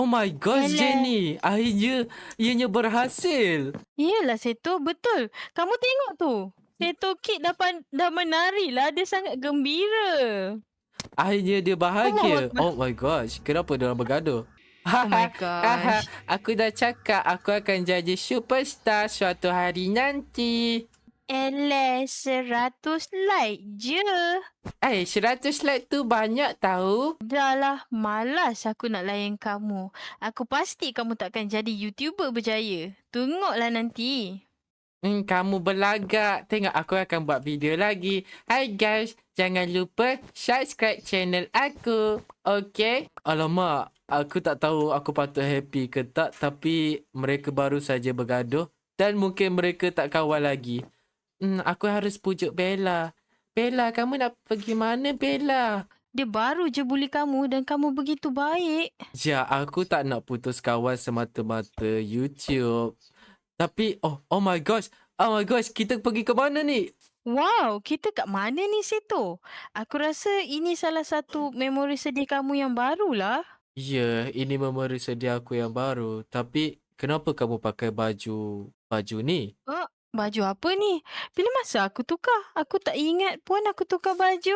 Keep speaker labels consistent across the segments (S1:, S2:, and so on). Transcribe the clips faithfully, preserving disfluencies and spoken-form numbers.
S1: Oh my gosh,
S2: Eleh.
S1: Jenny. Akhirnya ianya berhasil.
S2: Iyalah Seto, betul. Kamu tengok tu. Seto Kid dah, pan, dah menari lah. Dia sangat gembira.
S1: Akhirnya dia
S2: Allahu
S1: bahagia.
S2: Akbar.
S1: Oh my gosh, kenapa dia orang bergaduh?
S2: Oh my
S1: Haha, haha,
S2: gosh.
S1: aku dah cakap aku akan jadi superstar suatu hari nanti.
S2: Eleh, seratus like je.
S1: Eh, seratus like tu banyak tahu.
S2: Dah lah, malas aku nak layan kamu. Aku pasti kamu takkan jadi YouTuber berjaya. Tengoklah nanti.
S1: Hmm, kamu berlagak. Tengok aku akan buat video lagi. Hai guys, jangan lupa subscribe channel aku. Okay? Alamak, aku tak tahu aku patut happy ke tak. Tapi mereka baru saja bergaduh. Dan mungkin mereka tak kawan lagi. Hmm, aku harus pujuk Bella. Bella, kamu nak pergi mana Bella?
S2: Dia baru je bully kamu dan kamu begitu baik.
S1: Ya, aku tak nak putus kawan semata-mata YouTube. Tapi, oh, oh my gosh. Oh my gosh, kita pergi ke mana ni?
S2: Wow, kita kat mana ni Seto? Aku rasa ini salah satu memori sedih kamu yang barulah.
S1: Ya, ini memori sedih aku yang baru. Tapi, kenapa kamu pakai baju baju ni?
S2: Oh, baju apa ni? Bila masa aku tukar? Aku tak ingat pun aku tukar baju.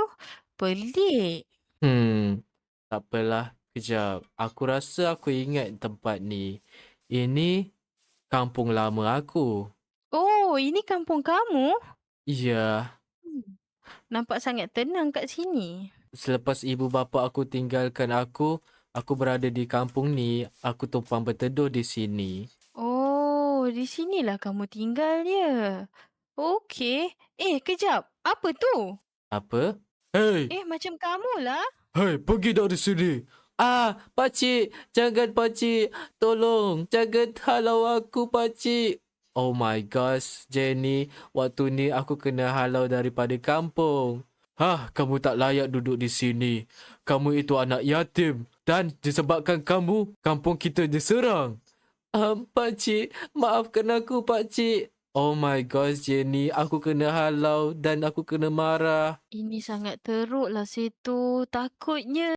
S2: Pelik.
S1: Hmm, tak apalah. Kejap. Aku rasa aku ingat tempat ni. Ini kampung lama aku.
S2: Oh, ini kampung kamu?
S1: Ya,
S2: Hmm. Nampak sangat tenang kat sini.
S1: selepas ibu bapa aku tinggalkan aku, aku berada di kampung ni. Aku tumpang berteduh di sini.
S2: Oh, di sinilah kamu tinggal ya. Okey. Eh, kejap. Apa tu?
S1: Apa? Hei!
S2: Eh, macam kamulah.
S1: Hei, pergi dari sini. Ah, pakcik, jangan pakcik. Tolong, jangan halau aku pakcik. Oh my gosh, Jenny, waktu ni aku kena halau daripada kampung. Hah, kamu tak layak duduk di sini. Kamu itu anak yatim. Dan disebabkan kamu, kampung kita diserang. Um, pakcik, maafkan aku pakcik. Oh my gosh, Jenny, aku kena halau dan aku kena marah.
S2: Ini sangat teruklah situ. Takutnya